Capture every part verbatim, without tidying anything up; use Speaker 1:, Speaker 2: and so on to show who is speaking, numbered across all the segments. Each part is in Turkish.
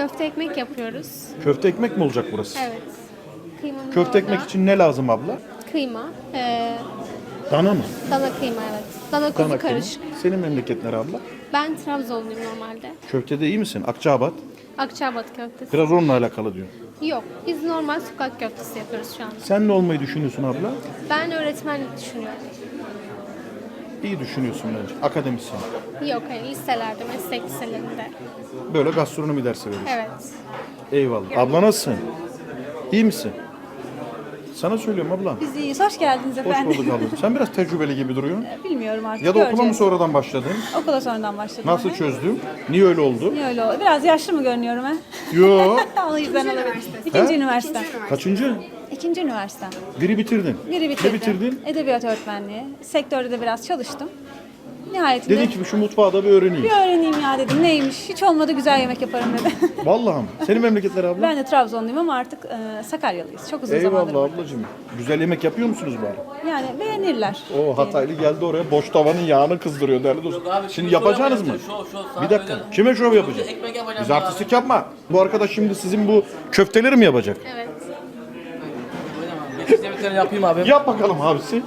Speaker 1: Köfte ekmek yapıyoruz.
Speaker 2: Köfte ekmek mi olacak burası?
Speaker 1: Evet. Kıymamız
Speaker 2: Köfte
Speaker 1: orada.
Speaker 2: ekmek için ne lazım abla?
Speaker 1: Kıyma. Ee,
Speaker 2: Dana mı?
Speaker 1: dana kıyma evet. Dana kuzu
Speaker 2: Dana kıyma.
Speaker 1: karışık.
Speaker 2: Senin memleket nere abla?
Speaker 1: Ben Trabzonluyum normalde.
Speaker 2: Köftede iyi misin? Akçaabat.
Speaker 1: Akçaabat köftesi.
Speaker 2: Biraz onunla alakalı diyor.
Speaker 1: Yok. Biz normal sokak köftesi yapıyoruz şu anda.
Speaker 2: Sen ne olmayı düşünüyorsun abla?
Speaker 1: Ben öğretmenlik düşünüyorum.
Speaker 2: İyi düşünüyorsun bence. Akademisyen.
Speaker 1: Yok hayır. Liselerde, meslek liselerinde.
Speaker 2: Böyle gastronomi dersi veriyorsun.
Speaker 1: Evet.
Speaker 2: Eyvallah. Abla nasılsın? İyi misin? Sana söylüyorum abla.
Speaker 3: Biz iyiyiz. Hoş geldiniz
Speaker 2: Hoş
Speaker 3: efendim.
Speaker 2: bulduk abla. Sen biraz tecrübeli gibi duruyorsun.
Speaker 3: Bilmiyorum artık.
Speaker 2: Ya da okula mı
Speaker 3: göreceğiz.
Speaker 2: sonradan başladın?
Speaker 3: Okula sonradan başladım.
Speaker 2: Nasıl
Speaker 3: Hı hı.
Speaker 2: çözdün? Niye öyle oldu?
Speaker 3: Niye öyle oldu? Biraz yaşlı mı görünüyorum ha?
Speaker 2: Yo.
Speaker 3: O yüzden olabilir. İkinci üniversite.
Speaker 2: Kaçıncı?
Speaker 3: İkinci üniversite.
Speaker 2: Biri bitirdin.
Speaker 3: Biri bitirdim.
Speaker 2: Ne bitirdin?
Speaker 3: Edebiyat öğretmenliği. Sektörde de biraz çalıştım. Nihayetinde
Speaker 2: Dedin ki şu mutfağı da bir öğreneyim.
Speaker 3: bir öğreneyim ya dedim. Neymiş? Hiç olmadı güzel yemek yaparım dedim.
Speaker 2: Vallahi mi? Senin memleketler abla?
Speaker 3: Ben de Trabzonluyum ama artık e, Sakaryalıyız. Çok uzun zamandır.
Speaker 2: Eyvallah
Speaker 3: buradayım.
Speaker 2: ablacığım. Güzel yemek yapıyor musunuz bari?
Speaker 3: Yani beğenirler.
Speaker 2: O Hataylı geldi oraya boş tavanın yağını kızdırıyor değerli dostum. Şimdi yapacaksınız mı? Bir dakika. Kime şov yapacak? Biz artistlik yapma. Bu arkadaş şimdi sizin bu köfteleri mi yapacak?
Speaker 1: Evet.
Speaker 4: Yemeklerini yapayım abi.
Speaker 2: Yap bakalım abisi.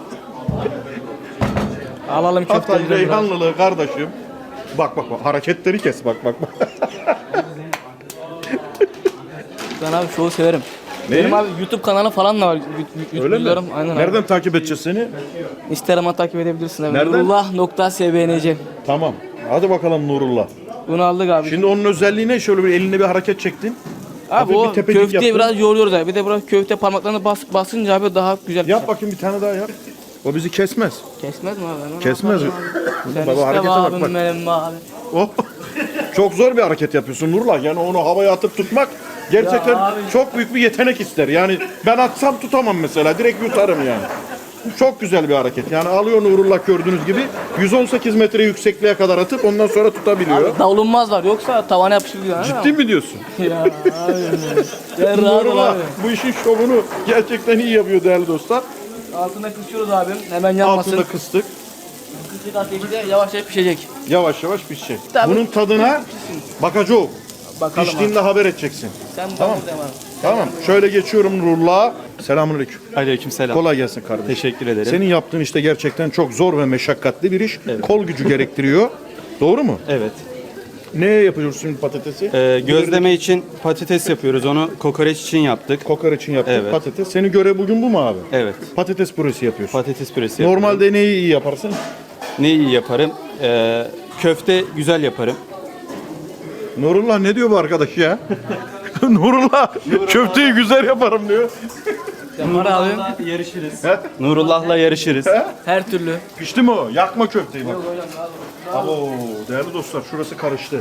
Speaker 4: Alalım
Speaker 2: Hatay
Speaker 4: köfteleri biraz.
Speaker 2: Reyhanlılığı kardeşim. Bak bak bak hareketleri kes bak bak bak.
Speaker 4: Ben abi şovu severim.
Speaker 2: Ne?
Speaker 4: Benim abi YouTube kanalı falan da var.
Speaker 2: Öyle mi?
Speaker 4: Aynen
Speaker 2: Nereden
Speaker 4: abi.
Speaker 2: takip edeceğiz seni?
Speaker 4: Instagram'a takip edebilirsin abi.
Speaker 2: Nereden?
Speaker 4: Nurullah nokta sbnc.
Speaker 2: Tamam. Hadi bakalım Nurullah.
Speaker 4: Bunu aldık abi.
Speaker 2: Şimdi onun özelliği ne? Şöyle bir elinde bir hareket çektin.
Speaker 4: abi
Speaker 2: hafif
Speaker 4: o
Speaker 2: bir tepecik
Speaker 4: köfteyi
Speaker 2: yaptın.
Speaker 4: biraz yoğuruyoruz abi. Bir de burası köfte parmaklarını bas, basınca abi daha güzel.
Speaker 2: Yap bakayım bir tane daha yap. O bizi kesmez.
Speaker 4: Kesmez mi abi? Ben onu
Speaker 2: Kesmez.
Speaker 4: yaparım abi. Sen
Speaker 2: Baba,
Speaker 4: işte
Speaker 2: harekete bak,
Speaker 4: abim
Speaker 2: bak.
Speaker 4: benim abi.
Speaker 2: Oh. Çok zor bir hareket yapıyorsun Nurullah. Yani onu havaya atıp tutmak gerçekten
Speaker 4: Ya abi.
Speaker 2: çok büyük bir yetenek ister. Yani ben atsam tutamam mesela. Direkt yutarım yani. Çok güzel bir hareket. Yani alıyor Nurullah gördüğünüz gibi yüz on sekiz metre yüksekliğe kadar atıp ondan sonra tutabiliyor.
Speaker 4: Abi davulunmaz var yoksa tavana yapışır.
Speaker 2: Ciddi mi diyorsun?
Speaker 4: Ya abi. Ya rahat ol
Speaker 2: Nurullah
Speaker 4: abi.
Speaker 2: bu işin şovunu gerçekten iyi yapıyor değerli dostlar.
Speaker 4: Altına kısıyoruz abi. Hemen yanmasın.
Speaker 2: Altında kıstık.
Speaker 4: Kısık ateşte yavaş yavaş pişecek.
Speaker 2: Yavaş yavaş pişecek.
Speaker 4: Tabii.
Speaker 2: Bunun tadına bakacağız.
Speaker 4: Bakalım
Speaker 2: Piştiğinde haber edeceksin.
Speaker 4: Sen
Speaker 2: Tamam.
Speaker 4: tamam. Abi.
Speaker 2: Tamam. Şöyle geçiyorum Nurullah'a. Selamünaleyküm.
Speaker 5: Aleykümselam.
Speaker 2: Kolay gelsin kardeşim.
Speaker 5: Teşekkür ederim.
Speaker 2: Senin yaptığın işte gerçekten çok zor ve meşakkatli bir iş. Kol gücü gerektiriyor. Doğru mu?
Speaker 5: Evet.
Speaker 2: Ne yapıyorsun şimdi patatesi?
Speaker 5: Ee, gözleme için patates yapıyoruz. Onu kokoreç için yaptık.
Speaker 2: Kokoreç için yaptık
Speaker 5: Evet.
Speaker 2: patates. Senin görev bugün bu mu abi?
Speaker 5: Evet.
Speaker 2: Patates püresi yapıyorsun.
Speaker 5: Patates püresi yapıyorum.
Speaker 2: Normalde neyi iyi yaparsın?
Speaker 5: Ne iyi yaparım? Ee, köfte güzel yaparım.
Speaker 2: Nurullah ne diyor bu arkadaş ya? Nurullah köfteyi güzel yaparım diyor.
Speaker 4: Yapar abi.
Speaker 5: yarışırız. Nurullah'la yarışırız.
Speaker 4: Her türlü.
Speaker 2: Pişti mi o? Yakma köfteyi bak. Abo, değerli dostlar şurası karıştı.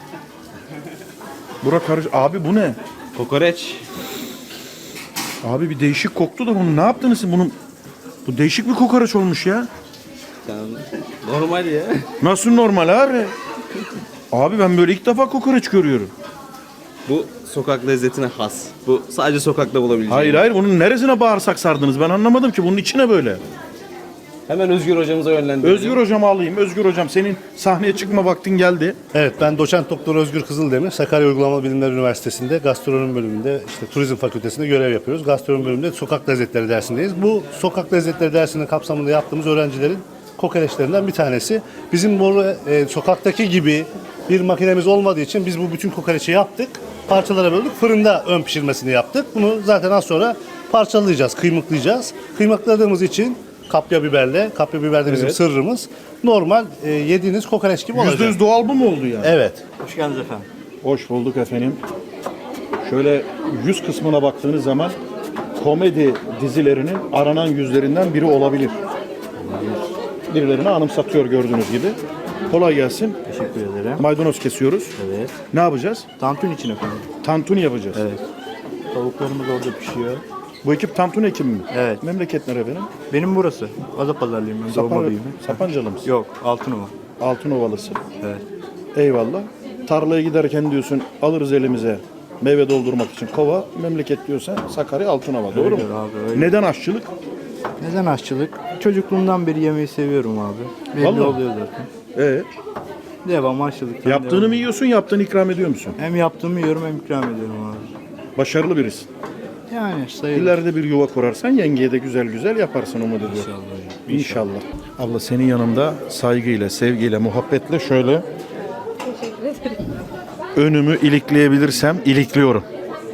Speaker 2: Bura karış. Abi bu ne?
Speaker 5: Kokoreç.
Speaker 2: Abi bir değişik koktu da bunu ne yaptınız siz bunun? Bu değişik bir kokoreç olmuş ya.
Speaker 5: Normal ya.
Speaker 2: Nasıl normal abi? Abi ben böyle ilk defa kokoreç görüyorum.
Speaker 6: Bu sokak lezzetine has. Bu sadece sokakta bulabileceğin.
Speaker 2: Hayır hayır bunun neresine bağırsak sardınız ben anlamadım ki bunun içine böyle.
Speaker 6: Hemen Özgür hocamıza yönlendirelim.
Speaker 2: Özgür hocamı alayım. Özgür hocam senin sahneye çıkma vaktin geldi.
Speaker 7: Evet, ben doçent doktor Özgür Kızıldemir. Sakarya Uygulamalı Bilimler Üniversitesi'nde gastronomi bölümünde, işte turizm fakültesinde görev yapıyoruz. Gastronomi bölümünde sokak lezzetleri dersindeyiz. Bu sokak lezzetleri dersinin kapsamında yaptığımız öğrencilerin kokoreçlerinden bir tanesi. Bizim bu e, sokaktaki gibi bir makinemiz olmadığı için biz bu bütün kokoreçi yaptık. Parçalara böldük. Fırında ön pişirmesini yaptık. Bunu zaten az sonra parçalayacağız, kıymıklayacağız. Kıymakladığımız için kapya biberle, kapya biber de bizim
Speaker 2: Evet.
Speaker 7: sırrımız. Normal e, yediğiniz kokoreç gibi olacak.
Speaker 2: Yüzde yüz doğal bu mu oldu yani?
Speaker 7: Evet.
Speaker 5: Hoş geldiniz efendim.
Speaker 2: Hoş bulduk efendim. Şöyle yüz kısmına baktığınız zaman komedi dizilerinin aranan yüzlerinden biri olabilir. Birilerini anımsatıyor gördüğünüz gibi. Kolay gelsin.
Speaker 5: Teşekkür ederim.
Speaker 2: Maydanoz kesiyoruz.
Speaker 5: Evet.
Speaker 2: Ne yapacağız?
Speaker 5: Tantuni için efendim.
Speaker 2: Tantuni yapacağız.
Speaker 5: Evet. Tavuklarımız orada pişiyor.
Speaker 2: Bu ekip tantuni ekibi mi?
Speaker 5: Evet.
Speaker 2: Memleket nere benim?
Speaker 5: Benim burası. Adapazarlıyım ben.
Speaker 2: Sapan,
Speaker 5: Doğma büyüme.
Speaker 2: Sapancalı mısın?
Speaker 5: Yok. Altınova.
Speaker 2: Altınovalısı.
Speaker 5: Evet.
Speaker 2: Eyvallah. Tarlaya giderken diyorsun alırız elimize meyve doldurmak için kova. Memleket diyorsan Sakarya Altınova. Doğru mu?
Speaker 5: Öyle abi, öyle.
Speaker 2: Neden aşçılık?
Speaker 5: Neden aşçılık? Çocukluğumdan beri yemeği seviyorum abi. Belli
Speaker 2: Vallahi.
Speaker 5: oluyor zaten.
Speaker 2: Ee,
Speaker 8: Devam aşçılıktan
Speaker 2: Yaptığını
Speaker 8: devam.
Speaker 2: mı yiyorsun, yaptığını ikram ediyor musun?
Speaker 8: Hem yaptığımı yiyorum hem ikram ediyorum abi.
Speaker 2: Başarılı birisin.
Speaker 8: Yani sayılır.
Speaker 2: İleride bir yuva kurarsan yengeye de güzel güzel yaparsın umut ediyorum.
Speaker 8: İnşallah.
Speaker 2: İnşallah. Abla senin yanında saygıyla, sevgiyle, muhabbetle şöyle önümü ilikleyebilirsem ilikliyorum.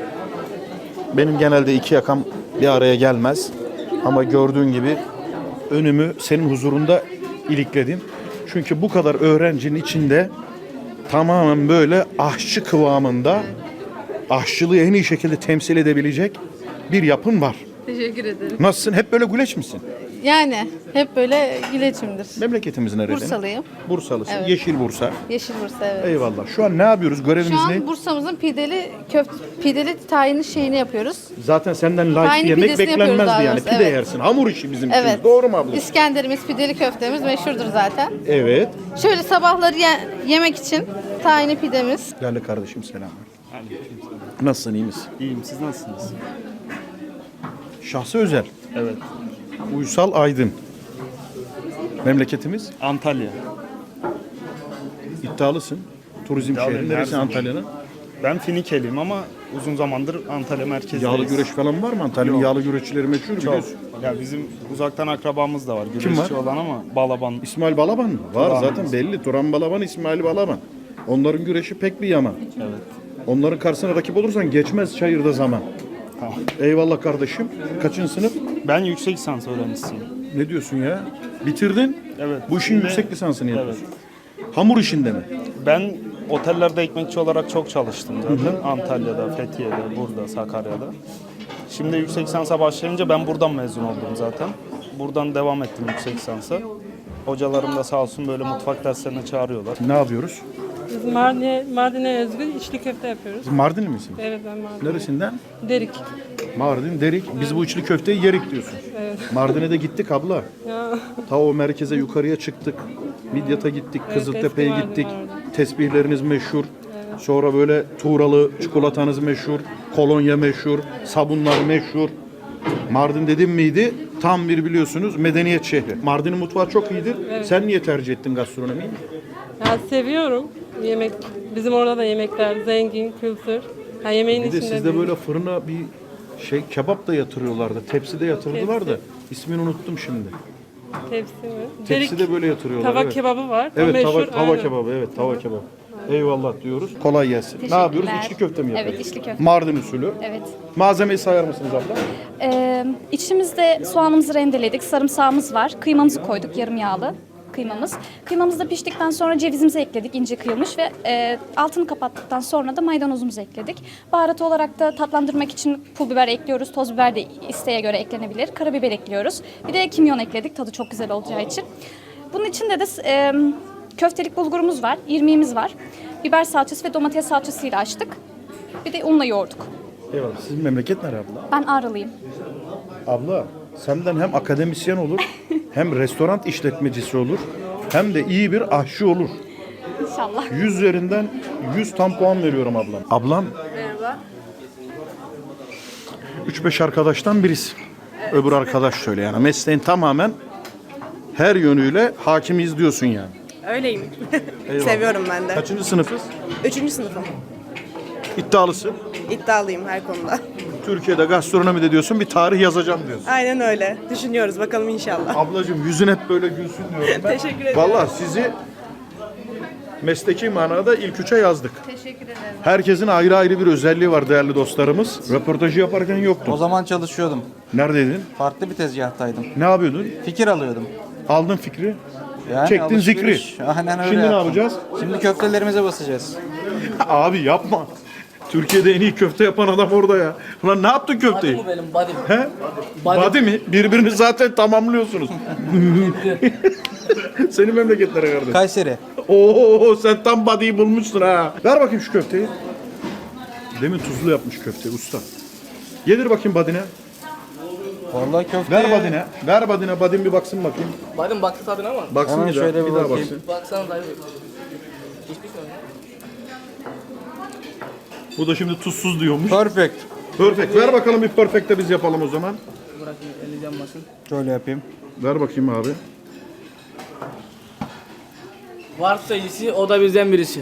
Speaker 2: Benim genelde iki yakam bir araya gelmez. Ama gördüğün gibi önümü senin huzurunda ilikledim. Çünkü bu kadar öğrencinin içinde tamamen böyle aşçı kıvamında aşçılığı en iyi şekilde temsil edebilecek bir yapın var.
Speaker 9: Teşekkür ederim.
Speaker 2: Nasılsın? Hep böyle güleç misin?
Speaker 9: Yani hep böyle güleçimdir.
Speaker 2: Memleketimiz nerede?
Speaker 9: Bursalıyım.
Speaker 2: Bursalısın.
Speaker 9: Evet.
Speaker 2: Yeşil Bursa.
Speaker 9: Yeşil Bursa, evet.
Speaker 2: Eyvallah. Şu an ne yapıyoruz? Görevimiz
Speaker 9: Şu
Speaker 2: ne?
Speaker 9: an Bursa'mızın pideli köfte pideli tayini şeyini yapıyoruz.
Speaker 2: Zaten senden layık
Speaker 9: Aynı
Speaker 2: yemek
Speaker 9: pidesini yapıyoruz
Speaker 2: beklenmezdi
Speaker 9: daha
Speaker 2: yani.
Speaker 9: doğrusu,
Speaker 2: Pide
Speaker 9: evet.
Speaker 2: yersin. Hamur işi bizim
Speaker 9: Evet.
Speaker 2: için. Doğru mu abla?
Speaker 9: İskenderimiz, pideli köftemiz meşhurdur zaten.
Speaker 2: Evet.
Speaker 9: Şöyle sabahları ye- yemek için tayini pidemiz.
Speaker 2: Değerli kardeşim selam. Nasılsın? İyi misin?
Speaker 8: İyiyim, siz nasılsınız?
Speaker 2: Şahsı özel.
Speaker 8: Evet.
Speaker 2: Uysal Aydın. Memleketimiz?
Speaker 8: Antalya.
Speaker 2: İddialısın. Turizm
Speaker 8: İddialıyım,
Speaker 2: şehri.
Speaker 8: her
Speaker 2: Neresi
Speaker 8: zaman.
Speaker 2: Antalya'nın?
Speaker 8: Ben Finikeliyim ama uzun zamandır Antalya merkezdeyiz.
Speaker 2: Yağlı güreş falan var mı? Antalya'nın
Speaker 8: Yok.
Speaker 2: yağlı güreşçileri meşhur biliyorsun.
Speaker 8: Ya bizim uzaktan akrabamız da var.
Speaker 2: Kim
Speaker 8: Güreşçi
Speaker 2: var?
Speaker 8: olan ama Balaban.
Speaker 2: İsmail Balaban mı? Var
Speaker 8: Turan.
Speaker 2: zaten belli. Turan Balaban, İsmail Balaban. Onların güreşi pek bir yaman.
Speaker 8: Evet.
Speaker 2: Onların karşısına rakip olursan geçmez çayırda zaman.
Speaker 8: Tamam.
Speaker 2: Eyvallah kardeşim. Kaçıncı sınıf?
Speaker 8: Ben yüksek lisans öğrencisiyim.
Speaker 2: Ne diyorsun ya? Bitirdin.
Speaker 8: Evet.
Speaker 2: Bu işin
Speaker 8: Şimdi-
Speaker 2: yüksek lisansını
Speaker 8: Evet.
Speaker 2: yapıyorsun. Hamur işinde mi?
Speaker 8: Ben otellerde ekmekçi olarak çok çalıştım zaten. Antalya'da, Fethiye'de, burada, Sakarya'da. Şimdi yüksek lisansa başlayınca ben buradan mezun oldum zaten. Buradan devam ettim yüksek lisansa. Hocalarım da sağ olsun böyle mutfak derslerine çağırıyorlar.
Speaker 2: Ne yapıyoruz?
Speaker 10: Biz Mardin'e, Mardin'e özgü içli köfte yapıyoruz.
Speaker 2: Siz Mardinli misin?
Speaker 10: Evet, ben Mardin.
Speaker 2: Neresinden?
Speaker 10: Derik.
Speaker 2: Mardin, Derik. Biz bu içli köfteyi yerik diyorsun.
Speaker 10: Evet.
Speaker 2: Mardin'e de gittik abla.
Speaker 10: Ya.
Speaker 2: Ta o merkeze yukarıya çıktık. Midyat'a gittik,
Speaker 10: Evet,
Speaker 2: Kızıltepe'ye
Speaker 10: eski Mardin
Speaker 2: gittik.
Speaker 10: var orada.
Speaker 2: Tesbihleriniz meşhur. Sonra böyle tuğralı çikolatanız meşhur. Kolonya meşhur. Sabunlar meşhur. Mardin dedim miydi? Tam bir biliyorsunuz medeniyet şehri. Mardin'in mutfağı çok iyidir. Sen niye tercih ettin gastronomiyi?
Speaker 10: Ya seviyorum yemek. Bizim orada da yemekler zengin, kültür. Ha, yemeğin
Speaker 2: Bir de
Speaker 10: içinde
Speaker 2: sizde
Speaker 10: bir-
Speaker 2: böyle fırına bir şey kebap da yatırıyorlardı. Tepside yatırdılar da.
Speaker 10: Tepsi.
Speaker 2: İsmini unuttum şimdi.
Speaker 10: tepsi mi?
Speaker 2: Tepside böyle yatırıyorlar.
Speaker 10: Tava
Speaker 2: evet.
Speaker 10: kebabı var. O
Speaker 2: Evet
Speaker 10: meşhur,
Speaker 2: tava, tava
Speaker 10: aynen.
Speaker 2: kebabı evet tava kebabı. Eyvallah diyoruz. Kolay gelsin. Ne yapıyoruz? İçli köfte mi yapıyoruz?
Speaker 11: Evet, içli köfte.
Speaker 2: Mardin usulü.
Speaker 11: Evet.
Speaker 2: Malzemeyi sayar mısınız abla?
Speaker 11: Ee, içimizde soğanımızı rendeledik, sarımsağımız var, kıymamızı koyduk, yarım yağlı kıymamız. Kıymamız da piştikten sonra cevizimizi ekledik, ince kıyılmış ve e, altını kapattıktan sonra da maydanozumuzu ekledik. Baharat olarak da tatlandırmak için pul biber ekliyoruz, toz biber de isteğe göre eklenebilir, karabiber ekliyoruz. Bir de kimyon ekledik, tadı çok güzel olacağı için. Bunun içinde de e, köftelik bulgurumuz var, irmiğimiz var. Biber salçası ve domates salçasıyla açtık. Bir de unla yoğurduk.
Speaker 2: Eyvallah. Sizin memleket nere abla?
Speaker 11: Ben Ağrılıyım.
Speaker 2: Abla senden hem akademisyen olur, hem restoran işletmecisi olur, hem de iyi bir aşçı olur.
Speaker 11: İnşallah.
Speaker 2: yüz üzerinden yüz tam puan veriyorum ablam. Ablam
Speaker 9: Merhaba.
Speaker 2: üç beş arkadaştan birisi. Öbür arkadaş şöyle yani mesleğin tamamen her yönüyle hakimiz diyorsun yani.
Speaker 12: Öyleyim.
Speaker 2: Eyvallah.
Speaker 12: Seviyorum ben de.
Speaker 2: Kaçıncı sınıfız?
Speaker 12: Üçüncü sınıfım.
Speaker 2: İddialısın.
Speaker 12: İddialıyım her konuda.
Speaker 2: Türkiye'de gastronomi de diyorsun, bir tarih yazacağım diyorsun.
Speaker 12: Aynen öyle. Düşünüyoruz bakalım inşallah.
Speaker 2: Ablacığım yüzün hep böyle gülsün diyorum ben.
Speaker 12: Teşekkür ederim.
Speaker 2: Vallahi sizi mesleki manada ilk üçe yazdık.
Speaker 9: Teşekkür ederim.
Speaker 2: Herkesin ayrı ayrı bir özelliği var değerli dostlarımız. Röportajı yaparken yoktun.
Speaker 13: O zaman çalışıyordum.
Speaker 2: Neredeydin?
Speaker 13: Farklı bir tezgahtaydım.
Speaker 2: Ne yapıyordun?
Speaker 13: Fikir alıyordum.
Speaker 2: Aldın fikri.
Speaker 13: Yani
Speaker 2: Çektin
Speaker 13: alışveriş.
Speaker 2: zikri.
Speaker 13: Aynen öyle
Speaker 2: Şimdi ne
Speaker 13: yaptım.
Speaker 2: yapacağız?
Speaker 13: Şimdi köftelerimize basacağız.
Speaker 2: Abi yapma. Türkiye'de en iyi köfte yapan adam orada ya. Ulan ne yaptın köfteyi?
Speaker 4: Bu benim body'm.
Speaker 2: He? Body mi? Birbirini zaten tamamlıyorsunuz. Senin memleketlere kardeş.
Speaker 13: Kayseri.
Speaker 2: Oo sen tam body'yi bulmuşsun ha. Ver bakayım şu köfteyi. Demin tuzlu yapmış köfteyi usta. Yedir bakayım body'ne.
Speaker 13: Vallahi köfte.
Speaker 2: Ver body'ne. Ver body'ne. Body'm bir baksın bakayım.
Speaker 4: Body'm baktı tadına ama.
Speaker 2: Baksın
Speaker 13: Hemen
Speaker 2: bir daha.
Speaker 13: şöyle
Speaker 2: Bir
Speaker 13: bir
Speaker 2: daha
Speaker 13: bakayım.
Speaker 2: baksın.
Speaker 4: Baksana dayı. Hiçbir şey yok.
Speaker 2: Bu da şimdi tuzsuz diyormuş.
Speaker 13: Perfect.
Speaker 2: Perfect. Ver bakalım bir perfect de biz yapalım o zaman.
Speaker 4: Bırak eli yanmasın.
Speaker 13: Şöyle yapayım.
Speaker 2: Ver bakayım abi.
Speaker 4: Varsa iyisi o da bizden birisi.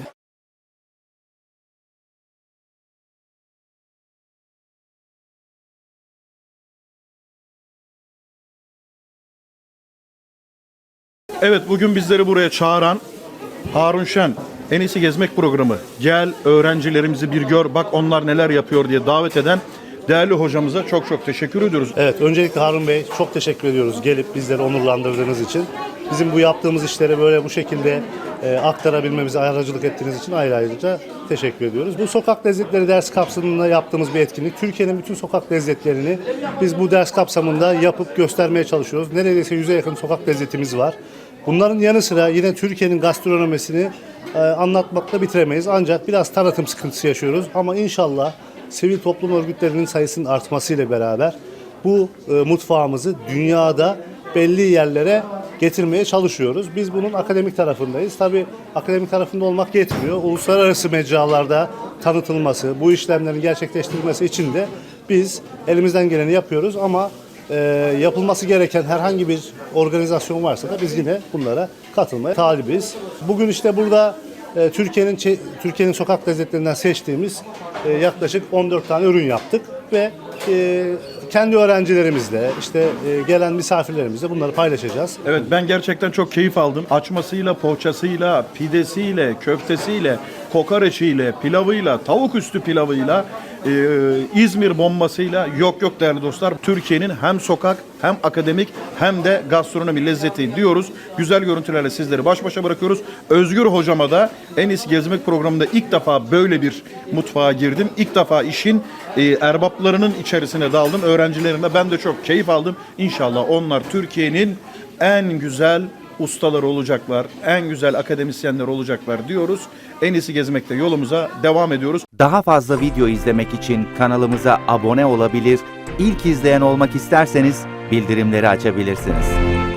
Speaker 2: Evet, bugün bizleri buraya çağıran Harun Şen, En iyisi Gezmek programı. Gel öğrencilerimizi bir gör, bak onlar neler yapıyor diye davet eden değerli hocamıza çok çok teşekkür ediyoruz.
Speaker 7: Evet, öncelikle Harun Bey çok teşekkür ediyoruz gelip bizleri onurlandırdığınız için. Bizim bu yaptığımız işleri böyle bu şekilde e, aktarabilmemize aracılık ettiğiniz için ayrı ayrıca teşekkür ediyoruz. Bu sokak lezzetleri ders kapsamında yaptığımız bir etkinlik. Türkiye'nin bütün sokak lezzetlerini biz bu ders kapsamında yapıp göstermeye çalışıyoruz. Neredeyse yüze yakın sokak lezzetimiz var. Bunların yanı sıra yine Türkiye'nin gastronomisini e, anlatmakla bitiremeyiz. Ancak biraz tanıtım sıkıntısı yaşıyoruz. Ama inşallah sivil toplum örgütlerinin sayısının artmasıyla beraber bu e, mutfağımızı dünyada belli yerlere getirmeye çalışıyoruz. Biz bunun akademik tarafındayız. Tabii akademik tarafında olmak yetmiyor. Uluslararası mecralarda tanıtılması, bu işlemlerin gerçekleştirilmesi için de biz elimizden geleni yapıyoruz ama e, yapılması gereken herhangi bir organizasyon varsa da biz yine bunlara katılmaya talibiz. Bugün işte burada e, Türkiye'nin Türkiye'nin sokak lezzetlerinden seçtiğimiz e, yaklaşık on dört tane ürün yaptık ve e, kendi öğrencilerimizle, işte e, gelen misafirlerimizle bunları paylaşacağız.
Speaker 2: Evet, ben gerçekten çok keyif aldım. Açmasıyla, poğaçasıyla, pidesiyle, köftesiyle, kokoreçiyle, pilavıyla, tavuk üstü pilavıyla, e, İzmir bombasıyla, yok yok değerli dostlar. Türkiye'nin hem sokak hem akademik hem de gastronomi lezzeti diyoruz. Güzel görüntülerle sizleri baş başa bırakıyoruz. Özgür hocama da En iyisi Gezmek programında ilk defa böyle bir mutfağa girdim. İlk defa işin e, erbaplarının içerisine daldım. Öğrencilerimle ben de çok keyif aldım. İnşallah onlar Türkiye'nin en güzel ustaları olacaklar, en güzel akademisyenler olacaklar diyoruz. En iyisi Gezmek'te yolumuza devam ediyoruz.
Speaker 14: Daha fazla video izlemek için kanalımıza abone olabilir, ilk izleyen olmak isterseniz bildirimleri açabilirsiniz.